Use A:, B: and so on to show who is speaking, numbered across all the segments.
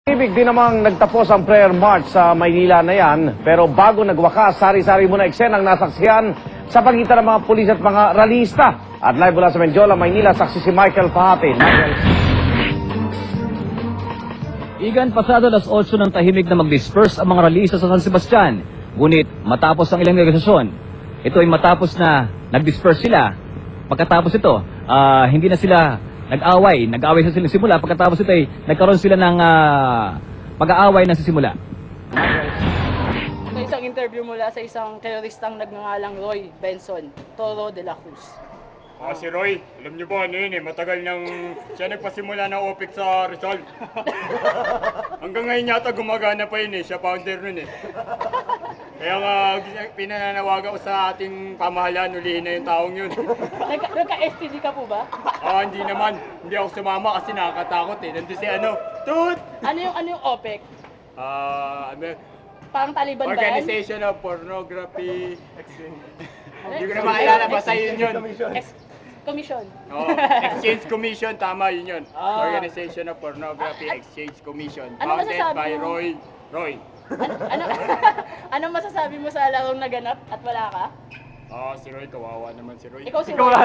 A: Ibig din namang nagtapos ang prayer march sa Maynila na yan, pero bago nagwakas, sari-sari muna eksenang nasaksihan sa pagitan ng mga pulis at mga ralista. At live mula sa Menjola, Maynila, saksi si Michael Pahati. Michael.
B: Igan, pasado alas 8 ng tahimik na mag-disperse ang mga ralista sa San Sebastian. Ngunit matapos ang ilang negosasyon, ito ay matapos na nag-disperse sila. Pagkatapos ito, hindi na sila nag-away sa silang simula. Pagkatapos ito ay nagkaroon sila ng pag-aaway na sa simula.
C: Sa isang interview mula sa isang teroristang nagngangalang Roy Benson Toro de la Cruz.
D: Si Roy, alam niyo ba ano yun eh, matagal nang siya nagpasimula ng OPEC sa Rizal. Hanggang ngayon yata gumagana pa yun eh, siya founder nun eh. Kaya nga pinananawagan ko sa ating pamahalaan, ulihin na yung taong yun.
C: Nagka-STD ka po ba?
D: Hindi naman, hindi ako sumama kasi nakakatakot eh. Nandun si Tut!
C: Ano yung OPEC? Parang Taliban ba yan?
D: Organization of Pornography Exchange. Hindi ko na maalala, basta yun yun.
C: Commission.
D: Exchange Commission, tama yun yun.
C: Ah.
D: Organization of Pornography Exchange Commission.
C: Ano
D: Founded
C: masasabi
D: by
C: mo?
D: Roy.
C: Ano masasabi mo sa larong naganap at wala ka?
D: Si Roy, kawawa naman si Roy.
C: Ikaw si Roy.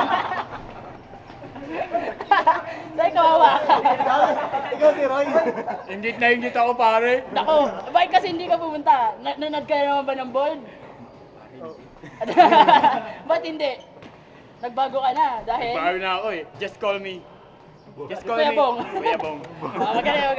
C: Say, kawawa ka.
E: Ikaw si Roy.
D: Ingit na ingit ako pare.
C: Nako, bakit kasi hindi ka pumunta? Nanad ka naman ba ng board? Ba't hindi? Nagbago ka na dahil...
D: Bago na ako eh. Just call me. Just call
C: Kuya
D: me.
C: Bong.
D: Kuya Bong.
C: Magaling.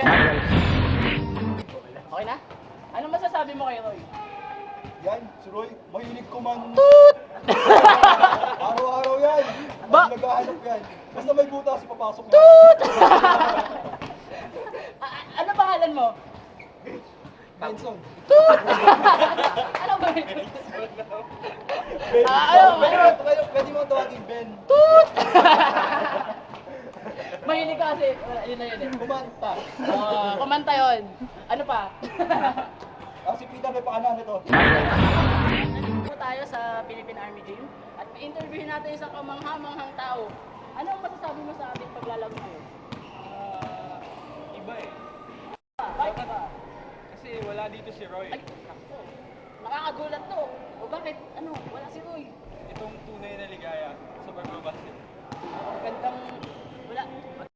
C: Okay na? Anong masasabi mo kay Roy?
E: Yan, si Roy, mahilig kuman. Toot! Araw-araw yan. Naghahanap yan. Basta may butas, papasok na.
C: Toot! Ano pangalan mo?
E: Benson.
C: Ano ba yun?
E: Pwede mo tawagin Ben.
C: Mahilig ka kasi. Yun na yun eh.
E: Kumanta.
C: Kumanta yun. Ano pa?
E: Si Pita may paanan nito.
C: Nandito tayo sa Philippine Army Gym at interviewin natin isang kamangha-manghang tao. Ano ang masasabi mo sa ating paglalaro ngayon?
F: Iba eh.
C: Bakit ba?
F: Kasi wala dito si Roy.
C: Ay, naku. Nakakagulat to. O bakit? Ano? Wala si Roy.
F: Itong tunay na ligaya sa pagbabasket.
C: Gandang... Wala.